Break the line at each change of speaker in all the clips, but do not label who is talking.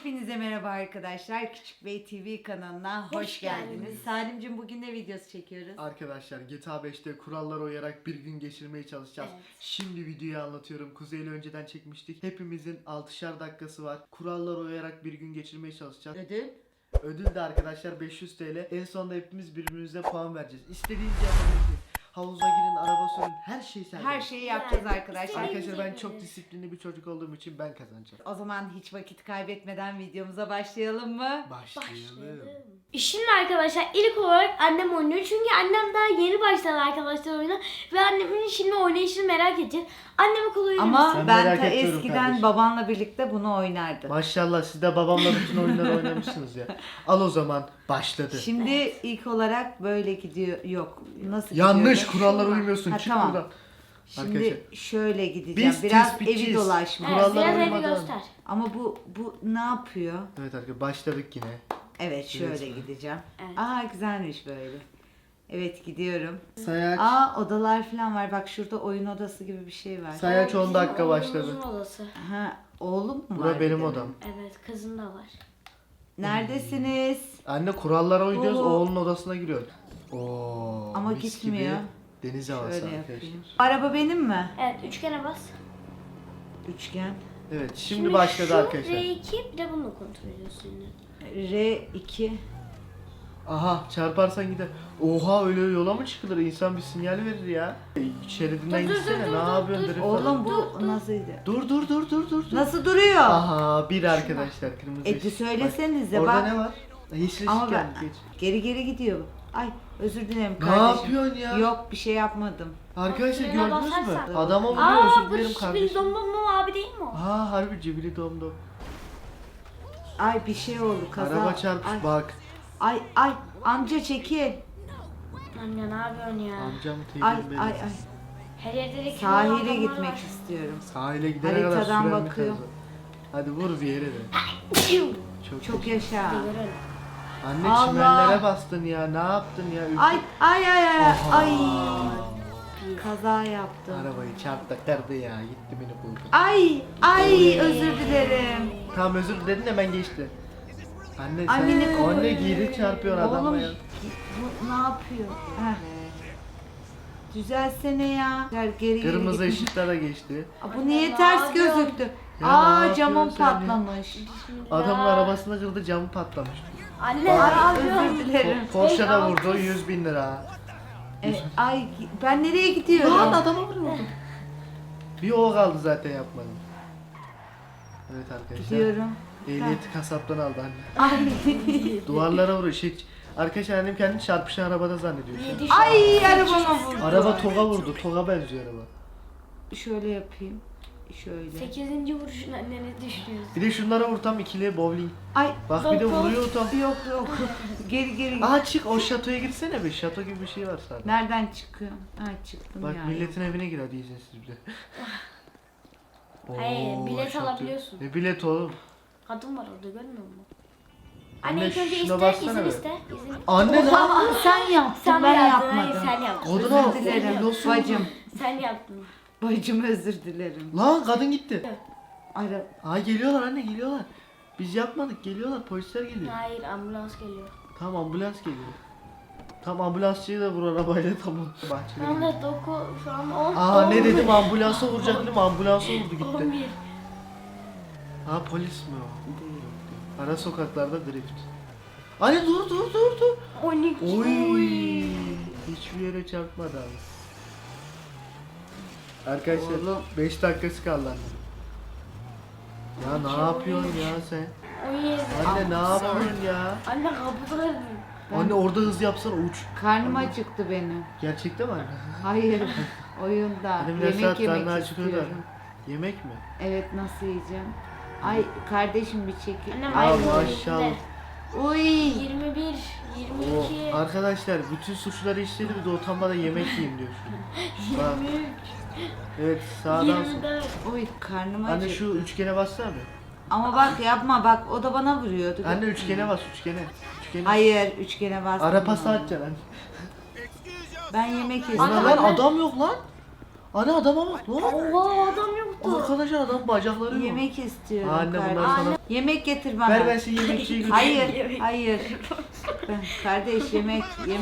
Hepinize merhaba arkadaşlar. Küçük Bey TV kanalına hoş geldiniz. Salimcim bugün ne videosu çekiyoruz?
Arkadaşlar GTA 5'te kurallara uyarak bir gün geçirmeye çalışacağız.
Evet.
Şimdi videoyu anlatıyorum. Kuzey'le önceden çekmiştik. Hepimizin 6'şar dakikası var. Kurallara uyarak bir gün geçirmeye çalışacağız.
Ödül?
Ödül de arkadaşlar 500 TL. En sonunda hepimiz birbirimize puan vereceğiz. İstediğiniz yapabilirsiniz. Havuza girin, araba sürün, her şey serbest.
Her şeyi yapacağız
Yani,
arkadaşlar.
Arkadaşlar ben çok disiplinli bir çocuk olduğum için ben kazanacağım.
O zaman hiç vakit kaybetmeden videomuza başlayalım mı?
Başlayalım.
Şimdi arkadaşlar ilk olarak annem oynuyor. Çünkü annem daha yeni başladı arkadaşlar oyuna. Ve annemin şimdi oynayışını merak edeceğiz. Anneme kolay
Ama
Sen
ben
merak
ta
etmiyorum
eskiden
kardeşim.
babanla birlikte bunu oynardım.
Maşallah siz de babamla bütün oyunları oynamışsınız ya. Al o zaman başladı.
Şimdi ilk olarak böyle gidiyor. Yok. Nasıl
Yanlış
gidiyordu?
kurallara uymuyorsun.
Ha,
Çık
tamam.
buradan.
Şimdi
Arkadaşlar,
şöyle gideceğim.
biz
Biraz
tespitçiyiz.
evi dolaşma.
Evet,
kurallara
biraz evi
uymadan.
göster.
Ama bu ne yapıyor?
Evet arkadaşlar başladık yine.
Evet şöyle
Resmen.
gideceğim.
Evet.
Aa güzelmiş böyle. Evet gidiyorum.
Sayaç.
Aa odalar falan var. Bak şurada oyun odası gibi bir şey var.
Sayaç 10
Bizim
dakika
oğlumuzun
başladı.
odası.
Ha oğlum mu
Bura
var?
benim
bir de?
odam.
Evet, kızın da var.
Neredesiniz?
Anne kurallara uyuyoruz.
Oo.
Oğlun odasına giriyor. Oo.
Ama
mis
gitmiyor.
Gibi deniz havası
Şöyle
arkadaşlar.
yapayım. Araba benim mi?
Evet, üçgene bas.
Üçgen.
Evet şimdi başladı
şu
arkadaşlar.
R2 bir de bunu kontrol ediyorsun yine.
R2.
Aha çarparsan gider. Oha öyle yola mı çıkılır? İnsan bir sinyal verir ya. Şeridinden
Dur, dur,
gitsene.
dur,
Ne
dur,
yapıyorsun?
dur.
Drift
Oğlum
falan.
bu nasıldı?
Dur.
Nasıl duruyor?
Aha bir arkadaşlar kırmızı
Eti
ışık.
söylesenize
Orada
bak.
ne var? Yeşil
Ama
ışık
ben
geldi, geç.
geri gidiyor. Ay özür dilerim
Ne
kardeşim.
yapıyorsun ya?
Yok bir şey yapmadım.
Arkadaşlar
Frene
gördünüz mü?
basarsan.
Adama vuruyor
Aa,
özür
bu
dilerim
Şibili
kardeşim.
Domdom abi değil mi o?
Ha harbi cibili domdom.
Ay bir şey oldu kaza.
Araba çarpmış
Ay,
bak.
ay amca çekil.
Anne ne yapıyorsun ya?
Amcam
Ay
teyzem benim.
ay.
Her yerde de kilo
Sahile
adamlar
gitmek
var.
istiyorum.
Sahile gidene kadar
Haritadan
süren bir
bakıyorum.
kaza. Hadi vur bir yere de.
Çok yaşa.
Görelim.
Anne
Allah.
çimenlere bastın ya. Ne yaptın ya? Ülke-
Ay.
Aha.
Ay. Kaza yaptım.
Arabayı çarptı kırdı ya. Gitti beni buldu.
Ay özür dilerim.
Tamam özür diledin hemen geçti. Anne sen
Anneni
anne geri çarpıyor adama
Oğlum
ya.
bu ne yapıyor? Heh. Düzelsene ya. Geri
Kırmızı
gitme.
ışıklara geçti.
Aa, bu niye
Ne
ters
yapıyorsun?
gözüktü?
Ya ne
Camım
yapıyorsun sen ya?
patlamış.
Adamın arabasını kırdı camı patlamış.
Anne ne
Ay
yapıyorsun?
özür dilerim.
Porsche da
Ey,
vurdu
altız.
100.000 lira.
Ay ben nereye gidiyorum?
Lan adama vuruyordu. Bir o kaldı zaten yapmadım. Evet arkadaşlar.
Gidiyorum.
Ehliyeti kasaptan aldı anne.
Ay.
Duvarlara vuruyor. Arkadaşlar annem kendini çarpışan arabada zannediyor. şu an.
Ay arabama vurdu.
Araba TOG'a vurdu. TOG'a benziyor araba.
Şöyle yapayım. Şöyle.
8. vuruşun anne ne düşünüyorsun?
Bir de şunlara vur tam ikili bowling.
Ay
Bak bir de vuruyor tam.
yok. Geri.
Aha çık o şatoya girsene bir. Şato gibi bir şey var sadece.
Nereden çıkıyorum? Ha çıktım
Bak
ya.
milletin evine gir hadi izinsiz bir de.
Hayır, bilet
şato.
alabiliyorsun.
Ne bilet oğlum?
Kadın var orada görmüyor musun?
Anne,
Anne ilk önce
şuna
iste,
baksana
izin
be.
iste. İzin.
Anne ne?
Oha, sen yaptın
Sen
ben
yaptın,
yapmadım.
hayır sen yaptın.
Kadın o.
Özür dilerim
Nasıl
bacım.
Sen yaptın.
Bacım özür dilerim.
Lan kadın gitti.
Ara
Ay geliyorlar anne geliyorlar. Biz yapmadık geliyorlar polisler geliyor.
Hayır, ambulans geliyor.
Tamam ambulans geliyor. Tamam ambulansçıyı da vur arabayla tamam.
Şu anda 9, şu an 10.
Aa ne dedim ambulansa vuracak dedim ambulansa vurdu gitti.
11.
Ha polis mi o? Ara sokaklarda drift. Anne dur.
12.
Oy. Hiçbir yere çarpmadı abi. Arkadaşlar
Oğlum.
5 dakikası kaldı anne. Ya ne yapıyorsun ya sen?
17.
Anne ne yapıyorsun ya?
Anne kapıda.
Anne orada hız yapsana uç.
karnım acıktı benim.
Gerçekten mi anne?
Hayır oyunda.
Anne biraz
Yemek
saat
yemek
karnı acıkıyor da.
istiyorum.
Yemek mi?
Evet nasıl yiyeceğim? Ay kardeşim bir çekil.
Annem
Ay,
Aa,
ayıp.
maşallah.
Uy.
21, 22,
O, arkadaşlar bütün suçları işledi bir de utanmadan yemek yiyeyim diyor. Bak
23,
evet sağdan sol.
24.
Uy karnım
Anne
acıktı.
şu üçgene bassana bir.
Ama bak yapma bak o da bana vuruyordu.
Anne üçgene bas üçgene. Üçgene.
Hayır üçgene bastım.
Ara pası atacaksın anne.
Ben yemek
Ana
istiyorum.
lan adam yok lan. Ana adama bak. Ne?
Oha adam yoktu.
Arkadaşlar adam bacakları yok.
Yemek istiyorum.
Anne, bunlar
kardeşim.
sana-
Yemek getir bana.
Ver ben seni yemekçiye götüreyim.
Hayır, hayır. Ben, kardeş yemek.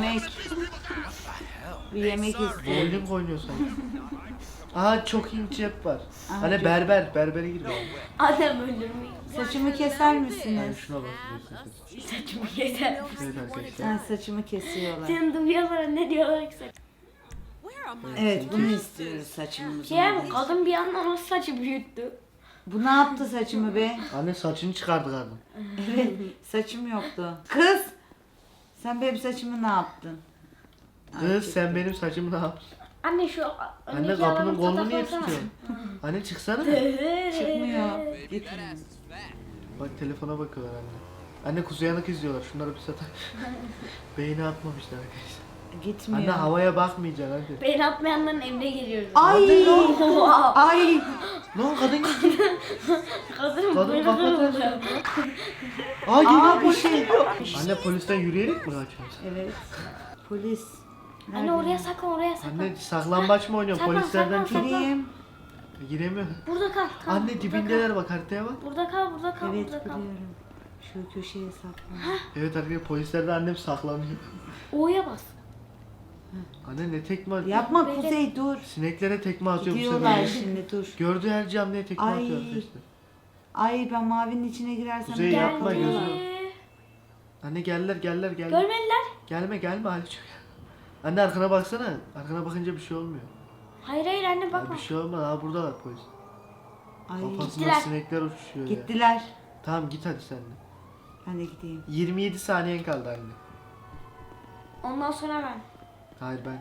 Bir yemek istiyorum.
Bowling oynuyor sanki. Aha çok iyi cep var.
Aha,
Hani
cep.
berbere gir.
Adam öldürmeyi.
Saçımı keser
Yani
misiniz?
şuna bak.
Saçımı keser.
Evet arkadaşlar.
Ha, saçımı kesiyorlar.
Senin duyuyorlar ne diyorlar ki saç.
Evet bunu istiyoruz saçımızı.
Şey mi kadın bir yandan nasıl saçı büyüttü.
Bu ne yaptı saçımı be?
Anne saçını çıkardı kadın.
Evet saçım yoktu. Kız! Sen benim saçımı ne yaptın?
Kız sen benim saçımı ne yaptın?
Anne şu
Anne
öndeki
kapının
adamın
kolunu niye
fotoğrafını
tutuyorsun? Anne çıksana.
Çıkmıyor. Getirin.
Bak telefona bakıyorlar anne. Anne Kuzey Yanık izliyorlar. Şunları bir satar. Beyni atmamışlar arkadaşlar.
Gitmiyor.
Anne havaya bakmayacaksın hadi.
Beni atmayanların emre geliyoruz.
Ay! Ay!
Lan kadın gitti.
Kadın
Kadın
böyle
kapatıyor.
oluyor.
Aa geliyor
Aa, bir
polis
şey.
geliyor. Anne polisten yürüyerek mi kaçıyorsun?
Evet. Polis.
Anne oraya saklan oraya saklan.
Anne saklambaç mı oynuyorsun?
Saklan,
Polislerden
saklan,
çok.
Gireyim.
Giremiyor.
Burada kal. kal
Anne
burada
dibindeler bak haritaya bak.
Kal. Burada kal burada kal
Evet
burada kal.
biliyorum. Şu köşeye saklan.
Evet arkadaşlar polislerden annem saklanıyor.
O'ya bas.
Anne ne tekme atıyor?
Yapma
Böyle-
Kuzey dur.
Sineklere tekme atıyor bu
Gidiyorlar
sefer.
şimdi dur.
Gördüğü her camlıya tekme
Ay.
atıyor arkadaşlar.
Ay ben mavinin içine girersem
Kuzey
gel
yapma,
buraya.
gözünü- Anne geldiler.
Görmediler.
Gelme Ali çok. Anne arkana baksana. Arkana bakınca bir şey olmuyor.
Hayır hayır anne
Ay,
bakma.
bir şey olmaz. Aa buradalar polis.
Ay
Kafasına
Gittiler.
sinekler uçuşuyor ya.
gittiler.
Tamam git hadi sen de.
Ben de gideyim.
27 saniyen kaldı anne.
Ondan sonra ben.
Hayır ben.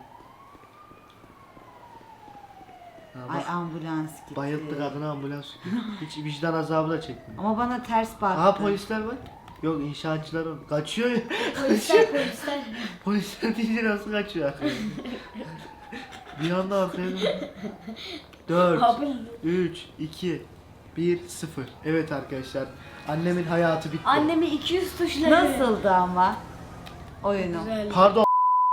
Ha,
Ay
bak,
ambulans gitti.
bayılttı kadına ambulans. Hiç vicdan azabı da çekmiyor.
Ama bana ters baktı.
Aa polisler var. Yok inşaatçılar var. Kaçıyor ya.
Polisler.
Polisler deyince nasıl kaçıyor arkaya? Bir anda arkaya dön. 4,
Abi.
3, 2, 1, 0. Evet arkadaşlar. Annemin hayatı bitti.
Annemi 200 tuşladı.
Nasıldı ama oyunu?
Güzel.
Pardon.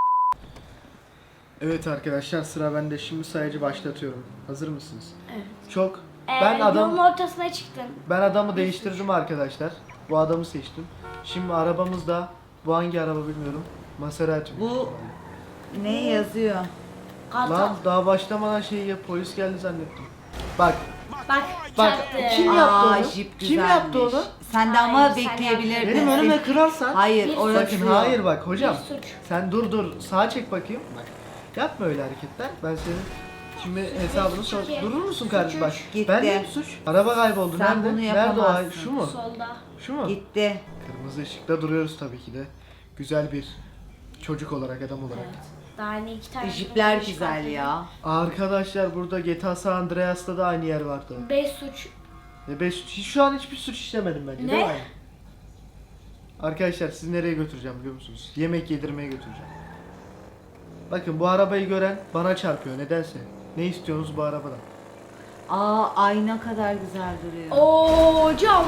Evet arkadaşlar sıra bende. Şimdi sayacı başlatıyorum. Hazır mısınız?
Evet.
Çok.
Yolun ortasına çıktın.
Ben adamı değiştirdim arkadaşlar. Bu adamı seçtim. Şimdi arabamız da bu hangi araba bilmiyorum. Maserati.
Bu ne yazıyor?
Kartal.
Lan daha başlamadan şey ya polis geldi zannettim. Bak
Bak çarptı.
kim yaptı onu?
Jip
Kim yaptı
güzelmiş.
onu?
Sen de ama
Hayır, sen
bekleyebilirdin.
Benim önüme kırarsan.
Hayır
Bir
orası
Bakın
yok.
hayır bak hocam.
Bir suç.
Sen dur sağa çek bakayım. Bak. Yapma öyle hareketler. Ben senin şimdi hesabını sor.
iki.
Durur musun kardeşim bak.
Gitti.
Ben de suç. Araba kayboldu.
Sen
Nerede?
bunu
Nerede o?
yapamazsın.
Şu mu?
Solda.
Şu mu?
Gitti.
Kırmızı ışıkta duruyoruz tabii ki de. Güzel bir çocuk olarak, adam olarak.
Daha ne iki tane.
Jipler
suç
güzel
çıkarttı.
ya.
Arkadaşlar burada GTA San Andreas'ta da aynı yer vardı.
5 suç.
Ben şu an hiçbir suç işlemedim bence.
Ne?
Değil mi? Arkadaşlar sizi nereye götüreceğim biliyor musunuz? Yemek yedirmeye götüreceğim. Bakın bu arabayı gören bana çarpıyor nedense. Ne istiyorsunuz bu arabadan?
Aa ayna kadar güzel duruyor.
Oo hocam.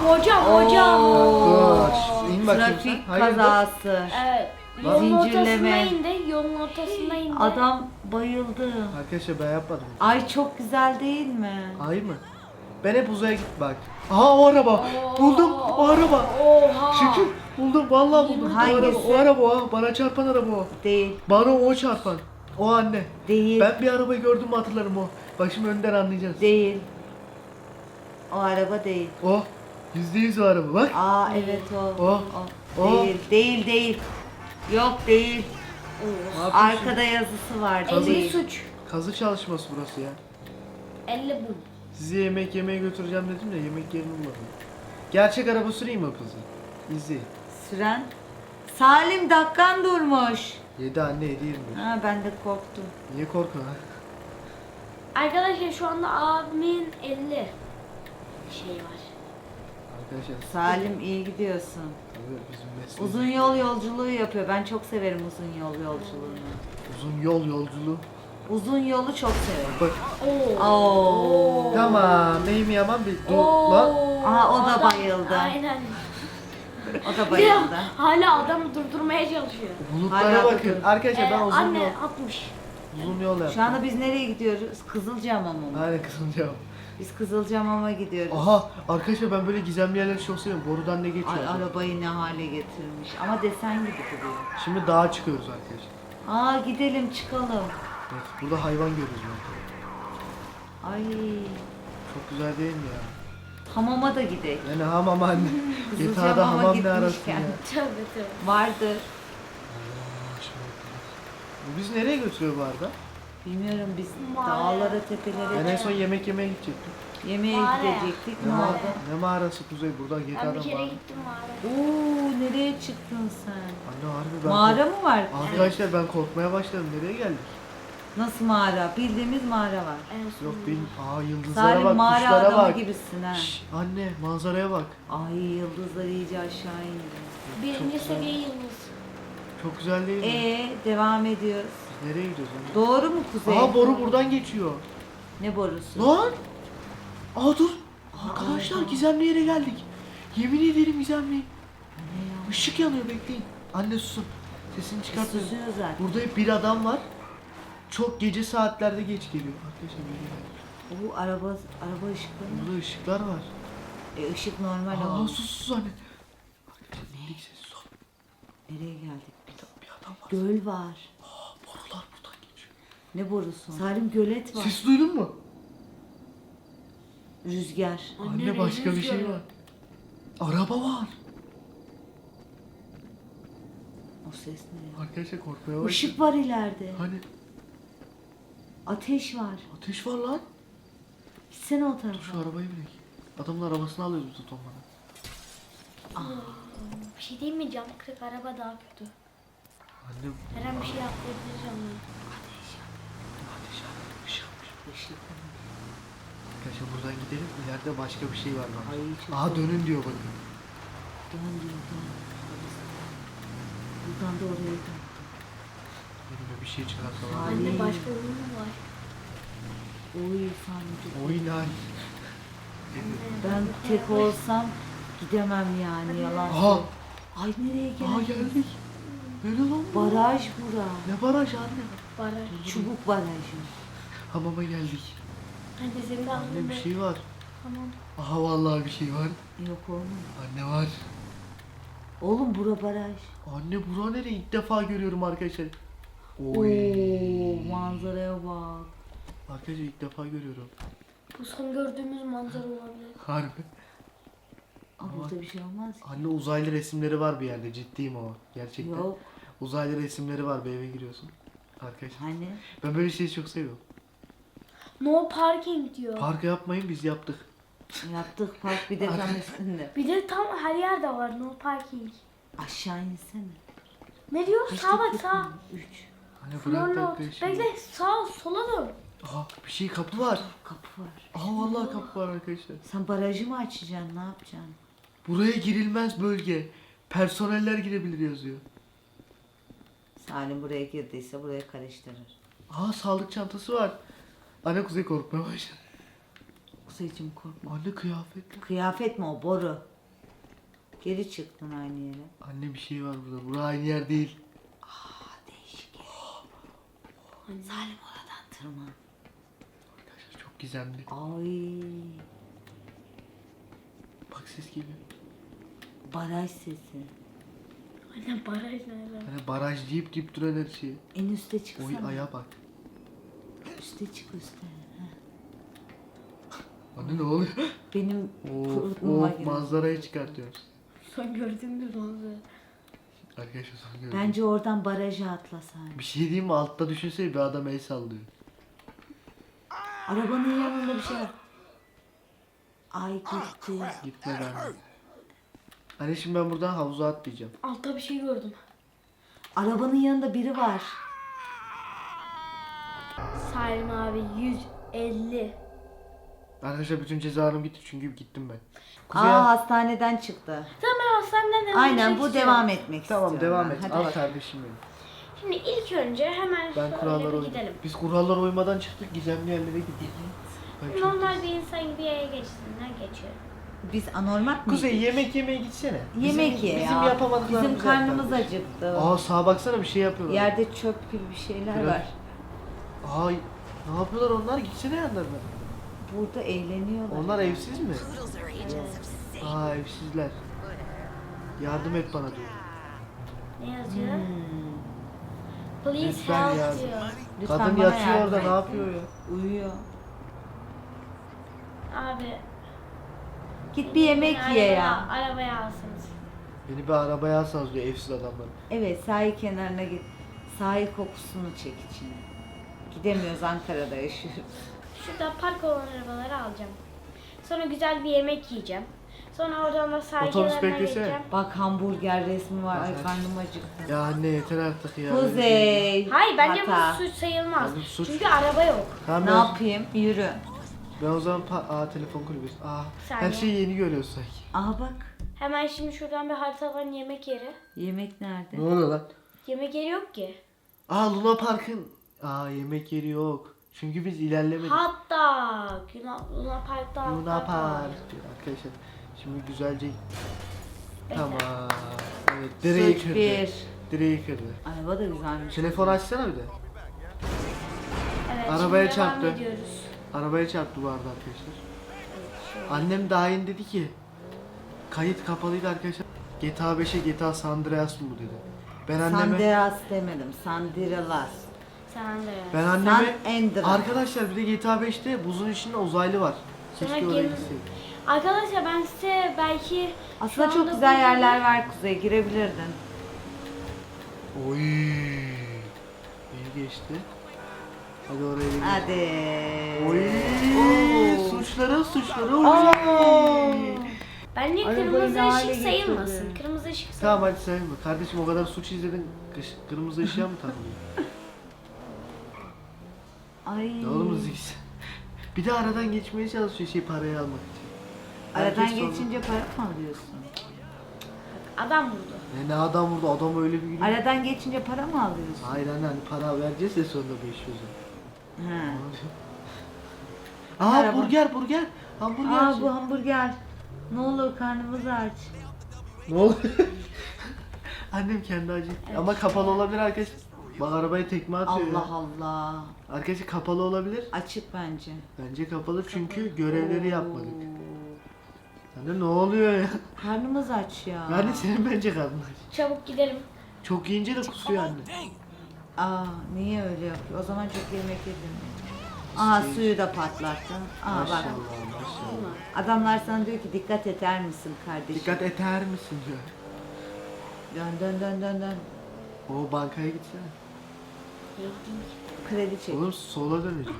Oo.
Dur, in bakayım
Trafik
sen. Hayırdır?
kazası.
Evet.
Lan
Yolun
zincirleme.
ortasına indi. Yolun ortasına indi.
Adam bayıldı.
Arkadaşlar ben yapmadım.
Ay çok güzel değil mi?
Ay mı? Ben hep uzaya git bak. Aha o araba. Buldum o araba.
Oha.
Şükür buldum vallahi buldum.
Hangisi?
O araba o. Bana çarpan araba o.
Değil.
Bana o çarpan. O anne.
Değil.
Ben bir arabayı gördüm mü hatırlarım o. Bak şimdi önden anlayacağız.
Değil. O araba değil.
O. %100 o araba bak.
Aa evet o.
O. O.
Değil. Değil değil. Yok değil.
Ne yapıyorsun?
Arkada yazısı var.
50
Değil.
suç.
Kazı çalışması burası ya.
50 bu.
Sizi yemek yemeye götüreceğim dedim de yemek yerini bulmadım. Gerçek araba süreyim mi kızı? İzleyin.
Süren. Salim dakikan durmuş.
7 anne 7 21.
Ha ben de korktum.
Niye korkuyorsun ha?
Arkadaşlar şu anda abimin 50 şey var.
Arkadaşlar
Salim iyi gidiyorsun.
tabii bizim mesleğimiz.
Uzun yol yolculuğu yapıyor. Ben çok severim uzun yol yolculuğunu.
Uzun yol yolculuğu.
Uzun yolu çok severim.
Bak
Oo.
Oo.
tamam neyim yaman bir dur
Oo.
lan.
Aa, o da
Adam-
bayıldı.
Aynen.
O da bayıldı.
Hala adamı durdurmaya çalışıyor.
Bulutlara
Hala
bakın.
bakın.
Arkadaşlar ben uzun
Anne
yol.
60.
Uzun yol yaptık.
Şu anda biz nereye gidiyoruz? Kızılcahamam'a mı?
Aynen Kızılcahamam.
Biz Kızılcahamam'a gidiyoruz.
Aha arkadaşlar ben böyle gizemli yerleri çok seviyorum. Borudan ne geçiyor?
Ay, arabayı ne hale getirmiş. Ama desen gibi duruyor.
Şimdi dağa çıkıyoruz arkadaşlar.
Aa gidelim çıkalım.
Evet, burada hayvan görürüz ben.
Ay
Çok güzel değil mi ya?
hamama da gidelim.
Yani hamam anne.
Kızılcahamam'a
GTA'da hamam ne arasın
gitmişken.
ya?
Tövbe tövbe.
Vardır.
Bu bizi nereye götürüyor bu arada?
Bilmiyorum biz
Mağara.
dağlara tepelere
Ben en son yemek yemeye gidecektim.
yemeğe
Mağaraya.
gidecektik.
Ne,
Ne oldu?
ne mağarası Kuzey? Buradan
Ben bir
GTA'dan
kere
mağara.
gittim mağaraya.
Oo nereye çıktın sen?
Anne harbi ben...
Mağara mı var?
Arkadaşlar ben korkmaya başladım. Nereye geldik?
Nasıl mağara? Bildiğimiz mağara var.
En son.
Yok benim... Aa yıldızlara
Salim
bak,
mağara
kuşlara
adamı
bak.
gibisin ha.
Şşş, anne manzaraya bak.
Ay yıldızlar iyice aşağı indi.
Birinci seviye yıldız.
Çok güzel değil mi?
Devam ediyoruz.
Biz nereye gidiyoruz anne?
Doğru mu kuzey?
Aa boru buradan geçiyor.
Ne borusu?
Lan! Aa dur! Arkadaşlar gizemli yere geldik. Yemin ederim gizemli.
Ne ya?
Işık yanıyor bekleyin. Anne susun. Sesini çıkartın.
Susuyor zaten.
Burada hep bir adam var. Çok gece saatlerde geç geliyor. Arkadaşlar böyle geldik.
Oo araba ışıkları mı?
Burada ışıklar var.
Işık normal
Aa
ama.
sus anne. Arkadaşlar dinledik sessiz ol.
Nereye geldik?
Bir adam var.
Göl var.
Aa borular buradan geçiyor.
Ne borusu? Salim gölet var.
Ses duydun mu?
Rüzgar.
Anne başka bir şey var. Araba var.
O ses ne ya?
Arkadaşlar korkmaya başladım.
Işık var ileride.
Hani
Ateş var.
ateş var lan.
Gitsene o
Dur
tarafa.
şu arabayı binek. Adamın arabasını alıyoruz biz Otoman'a.
Bir şey değil mi? Cam kırık araba daha kötü.
Anne
Her an bir şey yapabilir canım.
ateş yanmış.
Işık.
Arkadaşlar buradan gidelim. İleride başka bir şey var lan.
Ay çok
Aha dönün diyor bakın.
Dön diyor dön. Buradan da oraya dön.
Önüme bir şey çıkarsa var.
Ay.
Anne başka oyun mu var?
Oy sanki.
Oyun ay.
Ben tek olsam gidemem yani yalan.
Aha.
söyle. Ay nereye
Aha
geldik?
geldik. Nere lan bu?
Baraj bura.
Ne baraj anne?
Baraj.
Çubuk barajı.
Hamama geldik.
Anne senin de
Anne
aklında.
bir şey var.
Tamam.
Aha vallahi bir şey var.
Yok oğlum.
Anne var.
Oğlum bura baraj.
Anne bura nereye? İlk defa görüyorum arkadaşlar.
Oo manzaraya bak.
Arkadaşlar ilk defa görüyorum.
Bu son gördüğümüz manzara olabilir.
Harbi.
Aa, burada bir şey olmaz ki.
Anne uzaylı resimleri var bir yerde. Ciddiyim ama. Gerçekten.
Yok.
Uzaylı resimleri var bir eve giriyorsun. Arkadaşlar.
Hani
Ben böyle şeyi çok seviyorum.
No parking diyor.
Parka yapmayın biz yaptık.
yaptık park bir de tam üstünde.
Bir de tam her yerde var no parking.
Aşağı insene.
Ne diyor? Sağa bak sağa.
3.
Hani bırak
Florlo.
dakika şimdi.
Bekle sağ sola dön.
Aha bir şey kapı var.
Kapı var.
Aha vallahi kapı var arkadaşlar.
Sen barajı mı açacaksın? Ne yapacaksın?
Buraya girilmez bölge. Personeller girebilir yazıyor.
Salim buraya girdiyse buraya karıştırır.
Aha sağlık çantası var. Anne Kuzey korkmaya başladı.
Kuzeyciğim korkma.
Anne kıyafet.
Kıyafet mi o? Boru. Geri çıktın aynı yere.
Anne bir şey var burada. Burası aynı yer değil.
Değişik. Salim oradan tırman.
Arkadaşlar çok gizemli.
Ay.
Bak ses geliyor.
Baraj sesi.
Anne baraj nerede?
Hani baraj deyip duran her şeyi.
En üste çıksana.
Oy aya bak.
Üste çık üste.
Anne ne oluyor?
Benim
Oo,
kurutma makinesi.
manzarayı çıkartıyoruz.
Son gördüğümüz manzara.
Arkadaşlar son gördüm.
Bence oradan baraja atla Salim.
Bir şey diyeyim mi? Altta düşünsene bir adam el sallıyor.
Arabanın yanında bir şey var. Ay gitti.
Gitme ben. Hani şimdi ben buradan havuza atlayacağım.
Altta bir şey gördüm.
Arabanın yanında biri var.
Salim abi 150.
Arkadaşlar bütün cezalarım gitti çünkü gittim ben.
Aa hastaneden çıktı.
Tamam ben hastaneden devam
Aynen
etmek
bu
istiyorum.
devam etmek
Tamam
istiyorum.
devam
ben.
et.
Hadi
Al
bakalım.
kardeşim benim.
Şimdi ilk önce hemen
Ben
şöyle
kurallara
bir
uydum.
gidelim.
Biz kurallara uymadan çıktık gizemli yerlere gittik. Ben çok-
Normal bir insan gibi yaya geçtiğinden geçiyor.
Biz anormal mıyız?
Kuzey yemek yemeye gitsene.
Yemek
bizim,
ye
Bizim
ya.
yapamadıklarımız
Bizim karnımız
yaptılar.
acıktı.
Aa sağa baksana bir şey yapıyorlar.
Yerde çöp gibi bir şeyler
Biraz-
var.
Ay ne yapıyorlar onlar? Gitsene yanlarına.
Burada eğleniyorlar.
Onlar
ya.
evsiz mi? Aa evsizler. Yardım et bana diyor.
Ne yazıyor?
Hmm.
Please
Lütfen
help
yardım.
diyor.
Lütfen
Kadın
bana
yatıyor
yardım
orada
et.
ne yapıyor ya?
Uyuyor.
Abi.
Git bir yemek
beni
ye ya.
Arabaya alsınız.
Beni bir arabaya alsanız diyor evsiz adamlar.
Evet, sahil kenarına git. Sahil kokusunu çek içine. Gidemiyoruz, Ankara'da yaşıyoruz.
Şurada park olan arabaları alacağım. Sonra güzel bir yemek yiyeceğim. Sonra oradan da sahil
Otobüs
kenarına
beklesene.
gideceğim.
Bak, hamburger resmi var. Ay
Evet.
karnım acıktı.
Ya anne yeter artık ya.
Kuzey.
Hayır bence
hata.
bu suç sayılmaz.
Abi suç.
Çünkü araba yok.
Tamam
Ne
ben,
yapayım? Yürü.
ben o zaman telefon kulübesi. Her
Saniye.
şeyi yeni görüyoruz sanki.
Aha bak.
Hemen şimdi şuradan bir haritadan yemek yeri.
Yemek nerede?
Ne oluyor lan?
Yemek yeri yok ki.
Luna Park'ın. Yemek yeri yok. Çünkü biz ilerlemedik.
Hatta Luna Park'ta
Luna
hatta var.
Park diyor arkadaşlar. Şimdi güzelce.
Bekle.
Tamam. Evet direği
Suç
kırdı.
bir.
Direği kırdı.
Araba da güzelmiş.
Telefon açsana bir de.
Evet,
Arabaya
şimdi devam
çarptı.
ediyoruz.
Arabaya çarptı bu arada arkadaşlar.
Evet, şöyle.
Annem daha yeni dedi ki kayıt kapalıydı arkadaşlar. GTA 5'e GTA San Andreas mı bu dedi. Ben anneme
Sanderas demedim. Sandirelas.
Sen de.
ben anneme
San Andreas.
arkadaşlar bir de GTA 5'te buzun içinde uzaylı var. Keşke
Sonra
oraya
gemi-
gitseydik.
Arkadaşlar ben size belki
Aslında
şu
çok
anda
güzel
bu-
yerler var Kuzey. Girebilirdin.
Oy. Beni geçti. Hadi oraya gidelim.
Hadi.
Oy.
Oo.
Suçları. Oy.
Oo.
Bence
Arabayı
kırmızı
ne hale
ışık sayılmasın.
getirdi?
Kırmızı ışık
Tamam
sayılmasın.
hadi sayma. Kardeşim o kadar suç izledin. Kırmızı ışığa mı takılıyor?
Ay.
Ne oğlum zikse. Bir de aradan geçmeye çalışıyor parayı almak için.
Aradan
Herkes sonra-
geçince para mı alıyorsun?
Adam vurdu.
Ne adam vurdu adam öyle bir gülüyor.
Aradan geçince para mı alıyorsun?
Hayır anne hani para vereceğiz de sonra 500'ü.
Ha.
Aa
Merhaba.
burger. Hamburger.
Aa, bu hamburger. Ne olur karnımız aç.
Ne oldu? Annem kendi acıktı. Ama kapalı olabilir arkadaşlar. Bak arabaya tekme atıyor
Allah
ya.
Allah.
Arkadaşlar kapalı olabilir.
Açık bence.
Bence kapalı çünkü görevleri yapmadık. Anne ne oluyor ya?
Karnımız aç ya.
Yani senin bence karnın aç.
Çabuk gidelim.
Çok yiyince de kusuyor anne.
Aa, niye öyle yapıyor? O zaman çok yemek yedim. Aa, suyu da patlattın. Aa bak.
Maşallah.
Adamlar sana diyor ki dikkat eder misin kardeşim?
Dikkat eder misin diyor.
Dön.
O bankaya gitsene.
Kredi çek.
Oğlum sola döneceğim.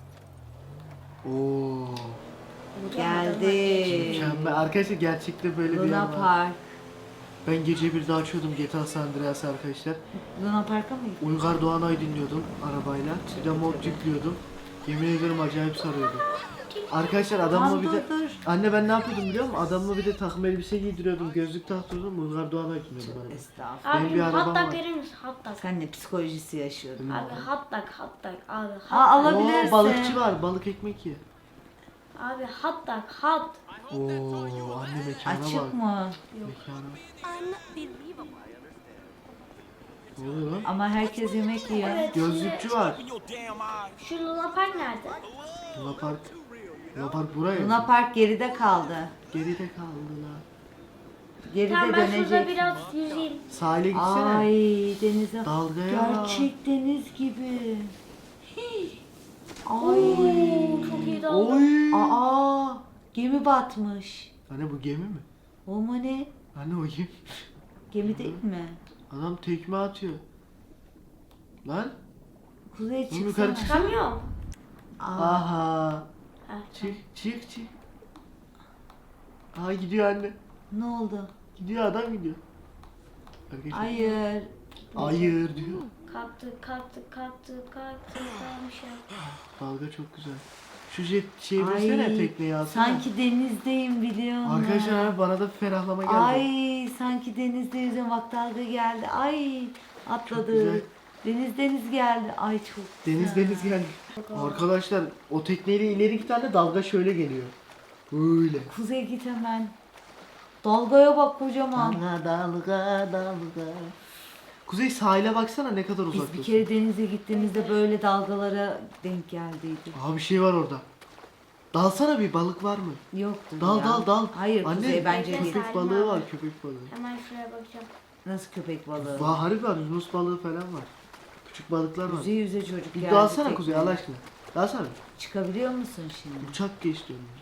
Oo.
Geldi.
Mükemmel. Arkadaşlar gerçekte böyle bir yer
Luna
var.
Park.
Ben gece bir daha açıyordum GTA San Andreas arkadaşlar.
Luna Park'a mı gittin?
Uygar Doğanay dinliyordum arabayla. Bir de mod yüklüyordum. Yemin ederim acayip sarıyordu. Arkadaşlar adamla bir de...
Dur.
Anne ben ne yapıyordum biliyor musun? Adamla bir de takım elbise giydiriyordum, gözlük taktırıyordum. Uygar Doğanay dinliyordum arabada.
Estağfurullah.
Benim
Abi
bir arabam
hot
var.
dog verir misin? Hot dog.
Sen ne psikolojisi yaşıyordun?
Abi hot dog. Abi hot
Aa,
dog.
alabilirsin.
Oo, balıkçı var, balık ekmek ye.
Abi hot dog. Hot.
Oo, anne mekana bak.
Açık mı?
Mekana. Ne oluyor lan?
Ama herkes yemek yiyor.
Evet.
Gözlükçü var.
Şu Luna Park nerede?
Luna Park. Luna Park buraya.
Luna Park geride kaldı.
Geride kaldı lan.
Geride
Tamam ben şurada
dönecek.
biraz yüzeyim.
Sahile gitsene.
Ay, denize.
Dalgaya bak.
Gerçek deniz gibi. Hii. Ay.
Oo, çok iyi dalga.
Oy.
Aa, gemi batmış.
Anne bu gemi mi?
O mu ne?
Anne o gemi.
Gemi değil mi?
Adam tekme atıyor. Lan.
Kuzey
Oğlum yukarı
çıksana.
çık.
Çıkamıyorum.
Aa,
Aha.
Ha,
Çık. Aha gidiyor anne.
ne oldu?
Gidiyor adam gidiyor. Arkadaşlar.
Hayır.
Hayır diyor.
kalktı. Tamam şey.
Dalga çok güzel. Şu şeyi versene tekneyi alsana.
sanki denizdeyim biliyor musun?
Arkadaşlar abi bana da bir ferahlama geldi.
Ay, sanki denizde yüzüyorum. Bak dalga geldi. Ay,
Çok
atladı.
güzel.
Deniz geldi. Ay çok güzel.
Deniz geldi. Arkadaşlar o tekneyle ileri iki tane dalga şöyle geliyor. Böyle.
Kuzey git hemen. Dalgaya bak kocaman.
Dalga. Kuzey sahile baksana ne kadar uzak.
Biz bir kere denize gittiğimizde böyle dalgalara denk geldiydik.
Aha bir şey var orada. Dalsana bir, balık var mı?
Yoktu
Dal
ya.
dal dal.
Hayır
Anne,
Kuzey bence
Bekle,
değil.
köpek
Salim
balığı
abi.
var, köpek balığı.
Hemen şuraya bakacağım.
Nasıl köpek balığı?
Var, harbi var, yunus balığı falan var. Küçük balıklar var.
Yüze yüze çocuk
Bir
geldi.
dalsana Kuzey
tekneye.
Allah aşkına. Dalsana.
Çıkabiliyor musun şimdi?
Uçak geçti önümüze.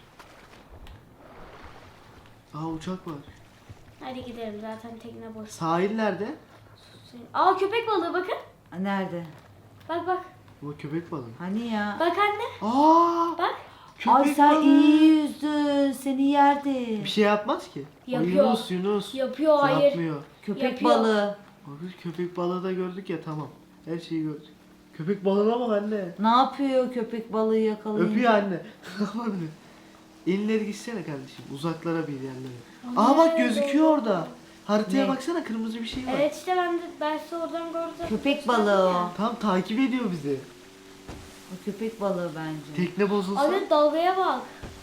Aa uçak var.
Hadi gidelim zaten tekne boş.
Sahil nerede?
Aa köpek balığı bakın.
Ha, nerede?
Bak bak.
Bu köpek balığı.
Hani ya?
Bak anne.
Aa!
Bak.
Ay
Köpek
sen
balığı.
iyi yüzdün. Seni yerdi.
Bir şey yapmaz ki. O
Yapıyor.
Yunus.
Yapıyor hayır.
Yapmıyor.
Köpek
yapıyor.
balığı.
Bakın köpek balığı da gördük ya, tamam. Her şeyi gördük. Köpek balığına bak anne.
Ne yapıyor köpek balığı yakalayınca?
Öpüyor anne. İnleri gitsene kardeşim. Uzaklara bir yerlere. Aa bak gözüküyor orada. Haritaya
Ne?
baksana, kırmızı bir şey var.
Evet işte ben size oradan gördüm.
Köpek balığı o.
Tam takip ediyor bizi.
O köpek balığı bence.
Tekne bozulsa.
Anne dalgaya bak.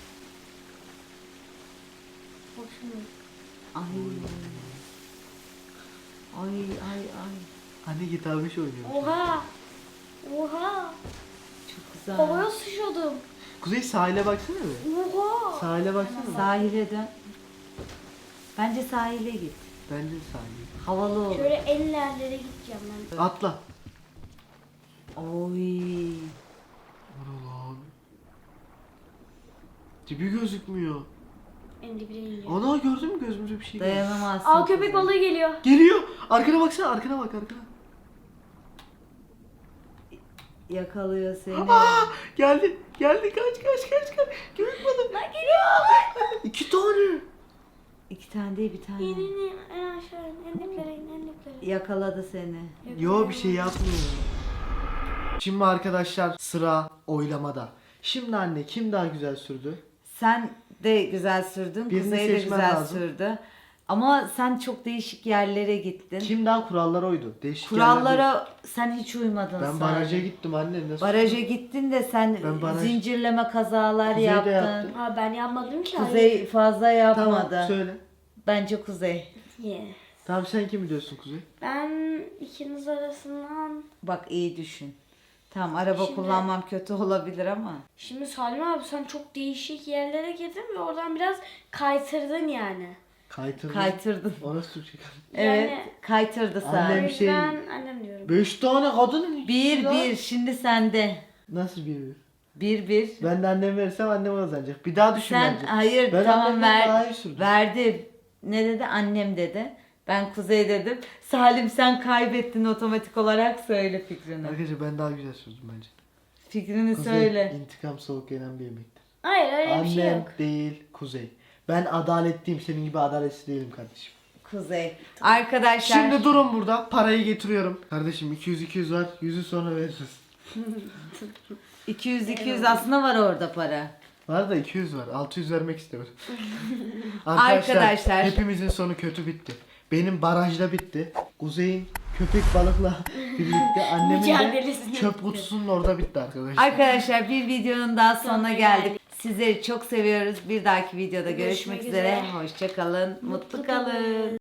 Bak şimdi.
Ay. Ay ay ay.
Anne gitarmış oynuyor.
Oha. Oha.
Çok güzel.
Havaya sıçradım.
Kuzey sahile baksana be.
Oha.
Sahile baksana.
Sahile dön. Bence sahile git.
Bence sahile.
Havalı olur.
Şöyle en ilerlere gideceğim ben.
Atla.
Oy.
Ana lan. Dibi gözükmüyor.
En dibine ineceğim.
Ana gördün mü, gözümüze bir şey geldi.
Dayanamazsın.
Aa köpek balığı geliyor.
Geliyor. Arkana baksana, arkana bak, arkana.
Yakalıyor seni.
Aa, geldi. Geldi, kaç. Köpek balığı.
Lan geliyor.
2 tane.
2 tane değil bir tane.
İn en aşağı in. En diplere in. En diplere.
Yakaladı seni.
Yo bir şey yapmıyor. Şimdi arkadaşlar sıra oylamada. Şimdi anne kim daha güzel sürdü?
Sen de güzel sürdün.
Birini
Kuzey de
seçmen
güzel
lazım.
sürdü. Ama sen çok değişik yerlere gittin.
Kim daha kurallara uydu? Değişik yerler değil.
Kurallara sen hiç uymadın.
Ben
sadece.
baraja gittim anne. Nasıl?
Baraja gittin de sen
Ben baraj-
zincirleme kazalar
Kuzey de
yaptın.
yaptı.
Ha ben yapmadım ki. hayır.
Kuzey fazla yapmadı.
Tamam söyle.
Bence Kuzey.
Yes.
Tamam sen kimi diyorsun Kuzey?
Ben ikiniz arasından...
Bak iyi düşün. Tamam araba
Şimdi-
kullanmam kötü olabilir ama.
Şimdi Salim abi sen çok değişik yerlere girdin ve oradan biraz kaytırdın yani.
Kaytırdın.
Kaytırdın.
O nasıl Türkçe?
Evet
Yani-
kaytırdı
O
Annem
sen.
şey-
yüzden annem diyorum.
5 tane kadının ikisi lan.
Bir şimdi sende.
Nasıl bir?
Bir.
Ben de annem verirsem annem kazanacak. Bir daha düşün
Sen
bence.
hayır
Ben
tamam
annemden daha iyi sürdüm.
verdi. Ne dedi? Annem dedi. Ben Kuzey dedim. Salim sen kaybettin otomatik olarak söyle fikrini.
Arkadaşlar ben daha güzel sürdüm bence.
Fikrini
Kuzey,
söyle.
intikam soğuk yenen bir yemektir.
Hayır öyle bir şey
Annem
yok.
değil Kuzey. Ben adaletliyim, senin gibi adaletsiz değilim kardeşim.
Kuzey. Arkadaşlar.
Şimdi durun burada, parayı getiriyorum. Kardeşim 200 var, 100'ü sonra veririz.
200 aslında var orada para.
Var da 200 var, 600 vermek istemiyorum.
Arkadaşlar.
Hepimizin sonu kötü bitti. Benim barajda bitti. Kuzey'in köpek balıkla birlikte, annemin de
Mücadelesinde
çöp
bitti.
kutusunun orada bitti arkadaşlar.
Arkadaşlar bir videonun daha sonuna
Sonuna
geldik.
geldik.
Sizleri çok seviyoruz. Bir dahaki videoda görüşmek
Görüşmek
üzere.
üzere.
Hoşça kalın. Mutlu kalın.